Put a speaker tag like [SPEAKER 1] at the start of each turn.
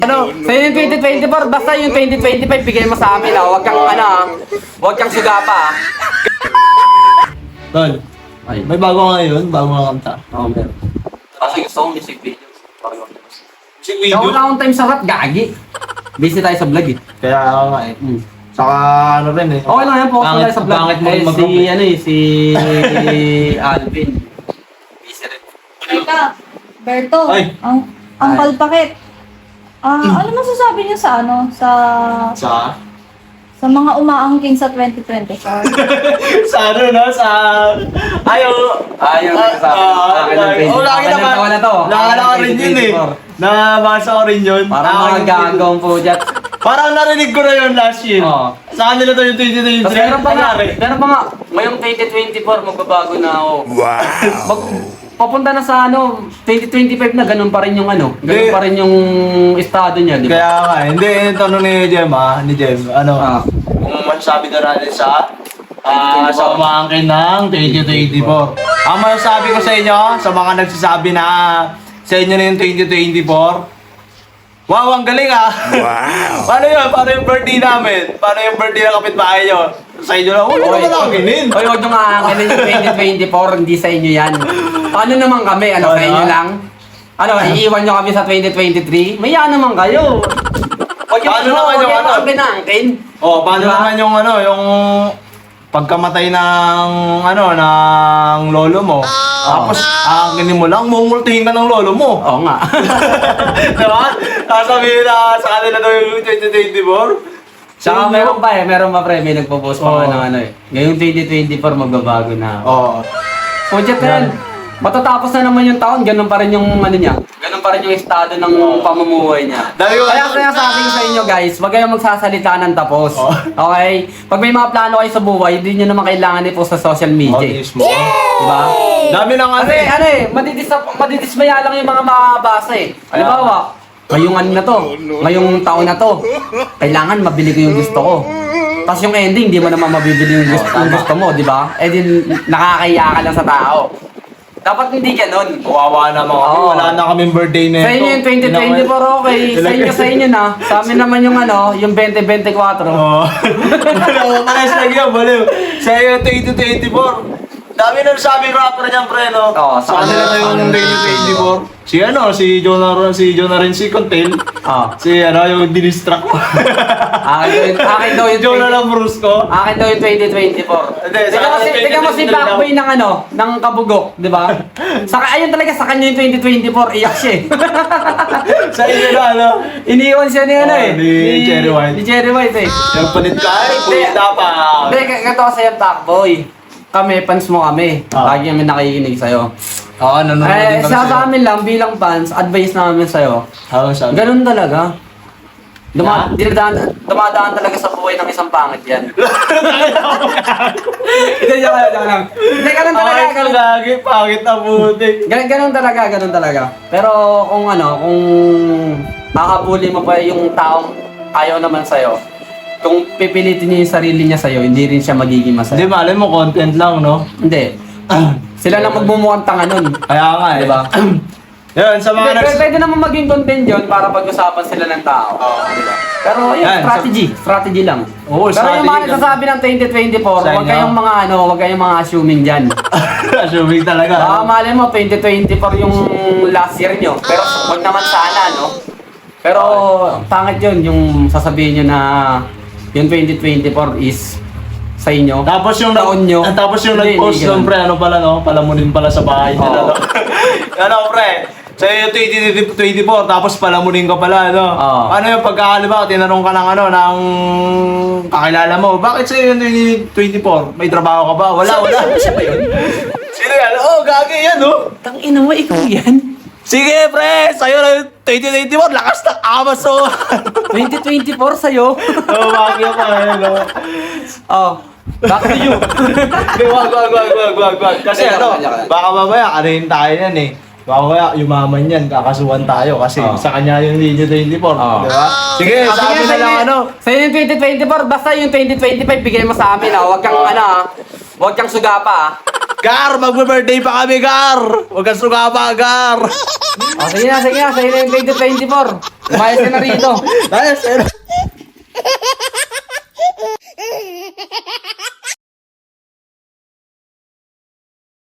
[SPEAKER 1] Sa'yo yung 2024, basta yung 2025, bigay mo sa amin, Huwag kang, huwag kang suga pa,
[SPEAKER 2] Tol,
[SPEAKER 1] Ay.
[SPEAKER 2] may bago ngayon, bago nga kanta.
[SPEAKER 1] Oo, meron. Kasi gusto kong music video.
[SPEAKER 2] Music
[SPEAKER 1] Kaya
[SPEAKER 2] video.
[SPEAKER 1] wala akong time sa rap, gagi. Busy tayo sa vlog,
[SPEAKER 2] Kaya ako nga eh. Saka ano rin eh.
[SPEAKER 1] Okay lang yan, focus
[SPEAKER 2] Pangit-
[SPEAKER 1] tayo sa vlog.
[SPEAKER 2] pangit mo
[SPEAKER 1] Eh,
[SPEAKER 2] mag-vlog.
[SPEAKER 1] si Alvin. Busy rin.
[SPEAKER 3] Teka, Berto,
[SPEAKER 2] Ay.
[SPEAKER 3] ang palpakit. Ano masasabi niyo sa sa mga umaangking sa 2024?
[SPEAKER 2] Sa ano no? Sa... Ayaw...
[SPEAKER 1] Ayaw na sa akin ng page.
[SPEAKER 2] Oo, lagi
[SPEAKER 1] Akin ng
[SPEAKER 2] naman.
[SPEAKER 1] taon na to.
[SPEAKER 2] Naalala ko rin yun eh.
[SPEAKER 1] 2024.
[SPEAKER 2] Nabasa ko rin yun.
[SPEAKER 1] Parang mga
[SPEAKER 2] Akin-
[SPEAKER 1] gagawang po dyan.
[SPEAKER 2] Parang narinig ko na yun last year.
[SPEAKER 1] Oo.
[SPEAKER 2] Sa kanila to yung 2023.
[SPEAKER 1] Tapos meron pa nga,
[SPEAKER 2] Nangyari.
[SPEAKER 1] meron pa nga, ngayong 2024, magbabago na ako. Papunta na sa 2025 na, ganun pa rin yung ganun
[SPEAKER 2] Hindi.
[SPEAKER 1] pa rin yung estado niya, di ba?
[SPEAKER 2] Kaya nga, hindi, yung tanong ni Jem ni Jem, kung masasabi na natin sa umangkin ng 2024. Ang masasabi ko sa inyo, sa mga nagsasabi na sa inyo na yung 2024, wow, ang galing Wow! Paano yun? Paano yung birthday namin? Paano yung birthday ng kapitbahay nyo? Sa inyo lang, huwag naman akinin.
[SPEAKER 1] Oy, huwag nyo nga akin yung 2024, hindi sa inyo yan. Paano naman kami? Sa inyo lang? Iiwan nyo kami sa 2023? Maya naman kayo. Huwag
[SPEAKER 2] Paano naman yung ano?
[SPEAKER 1] Huwag kinangkin.
[SPEAKER 2] Oh, paano
[SPEAKER 1] Diba?
[SPEAKER 2] naman yung yung pagkamatay ng lolo mo? Tapos, aangkinin mo lang, mumultihin ka ng lolo mo.
[SPEAKER 1] Oo nga.
[SPEAKER 2] Diba? Sasabihin na sa kanila daw yung 2024.
[SPEAKER 1] Saka meron pa pre, may nagpo-post pa
[SPEAKER 2] Oo.
[SPEAKER 1] nga ng ngayong 2024 magbabago na.
[SPEAKER 2] Oo.
[SPEAKER 1] Project yan. Matatapos na naman yung taon, ganun pa rin yung niya. Ganun pa rin yung estado ng pamumuhay niya.
[SPEAKER 2] Dahil yung-
[SPEAKER 1] Kaya sabi ko sa inyo guys, wag kayong magsasalita ng tapos.
[SPEAKER 2] Oh.
[SPEAKER 1] Okay? Pag may mga plano kayo sa buhay, hindi nyo naman kailangan i-post sa social media.
[SPEAKER 2] Mismo.
[SPEAKER 1] Diba?
[SPEAKER 2] Dami ng ano
[SPEAKER 1] Kasi madidismaya lang yung mga makakabasa eh. Halimbawa, ngayong na to, ngayong taon na to, kailangan mabili ko yung gusto ko. Tapos yung ending, di mo naman mabibili yung gusto mo, di ba? Eh din, nakakaya ka lang sa tao. Dapat hindi ganun.
[SPEAKER 2] Kawawa naman kami.
[SPEAKER 1] Oo.
[SPEAKER 2] Wala na kaming birthday na
[SPEAKER 1] Sa inyo yung 2024, okay. Sa inyo na. Sa amin naman yung yung 2024.
[SPEAKER 2] Oo. Pares lang yun, baliw. Sa iyo 2024. Dami na sabi rapper niyan, pre, no?
[SPEAKER 1] Oo,
[SPEAKER 2] sa kanila na yung 2024. Si Jonah rin si Contel. Yung dinistract ko.
[SPEAKER 1] Akin daw yung
[SPEAKER 2] Jonah lang Brusco.
[SPEAKER 1] Akin daw yung 2024.
[SPEAKER 2] Hindi, sa
[SPEAKER 1] Tingnan mo
[SPEAKER 2] akin,
[SPEAKER 1] tingnan mo si
[SPEAKER 2] 2023
[SPEAKER 1] Blackboy ng Kabugok, di ba? Ayun talaga sa kanya yung 2024, iyak siya eh.
[SPEAKER 2] Sa inyo na,
[SPEAKER 1] Iniwan siya ni
[SPEAKER 2] ni Cherry White.
[SPEAKER 1] Ni Cherry White eh.
[SPEAKER 2] Yung palit ka,
[SPEAKER 1] Hindi.
[SPEAKER 2] dapat.
[SPEAKER 1] Hindi, ganito kasi yung Blackboy. Kami, fans mo kami. Lagi kami nakikinig sa'yo.
[SPEAKER 2] Oo, nanonood din kami
[SPEAKER 1] Sa amin lang, bilang fans, advice namin sa'yo.
[SPEAKER 2] sabi?
[SPEAKER 1] Ganun talaga. Dumadaan talaga sa buhay ng isang pangit yan. Hindi, joke lang. Hindi, ganun talaga.
[SPEAKER 2] Ay, lagi, pangit na butik.
[SPEAKER 1] Ganun talaga. Pero kung kung makabuli mo pa yung taong ayaw naman sa'yo, kung pipilitin niya yung sarili niya sa'yo, hindi rin siya magiging
[SPEAKER 2] Hindi,
[SPEAKER 1] masaya.
[SPEAKER 2] malay mo, content lang, no?
[SPEAKER 1] Hindi. Sila lang magmumukhang tanga nun.
[SPEAKER 2] Kaya nga, eh.
[SPEAKER 1] Diba?
[SPEAKER 2] Yun, sa mga
[SPEAKER 1] Pwede naman maging content yun para pag-usapan sila ng tao. Diba? Pero yun,
[SPEAKER 2] Yan,
[SPEAKER 1] strategy lang.
[SPEAKER 2] Oo,
[SPEAKER 1] Pero yung mga
[SPEAKER 2] strategy
[SPEAKER 1] nagsasabi ng 2024,
[SPEAKER 2] Sa
[SPEAKER 1] huwag
[SPEAKER 2] inyo?
[SPEAKER 1] kayong huwag kayong mga assuming dyan.
[SPEAKER 2] Assuming talaga.
[SPEAKER 1] Baka mali mo, 2024 yung last year nyo. Pero huwag naman sana, no? Pero pangit yun, yung sasabihin nyo na yung 2024 is sa inyo.
[SPEAKER 2] Tapos yung
[SPEAKER 1] taon nyo.
[SPEAKER 2] Tapos yung
[SPEAKER 1] Hindi,
[SPEAKER 2] nag-post
[SPEAKER 1] hindi
[SPEAKER 2] nun,
[SPEAKER 1] ganun.
[SPEAKER 2] pre, ano pala, no? Palamunin pala sa bahay nila,
[SPEAKER 1] Oo.
[SPEAKER 2] no? Pre? Sa iyo 2024, tapos palamunin ka pala, no?
[SPEAKER 1] Oo.
[SPEAKER 2] Ano yung pagkakaliba, tinanong ka ng ng kakilala mo, bakit sa iyo yung 2024? May trabaho ka ba? Wala.
[SPEAKER 1] Siya ba yun?
[SPEAKER 2] Sino yan? Oh, gagi yan, no?
[SPEAKER 1] Tangina mo, ikaw yan.
[SPEAKER 2] Sige, pre, sa'yo na yung 2024, lakas ng amas, oh.
[SPEAKER 1] 2024 sa'yo.
[SPEAKER 2] Oh, bagay pa, no?
[SPEAKER 1] Oh, back to you.
[SPEAKER 2] Hindi, wag. Kasi baka mamaya, kanayin tayo yan eh. Baka mamaya, yumaman yan, kakasuhan tayo kasi sa kanya yung linya 24, di ba? Sige, sabi na lang
[SPEAKER 1] Sa'yo yung 2024, basta yung 2025, bigay mo sa amin, Huwag kang, huwag kang suga pa,
[SPEAKER 2] Gar, magbe-birthday pa kami, Gar! Huwag kang sugama, Gar!
[SPEAKER 1] O, sige na, sige na. Sa'yo na yung 2024. Umayos ka na rito.
[SPEAKER 2] Ayos, ayos.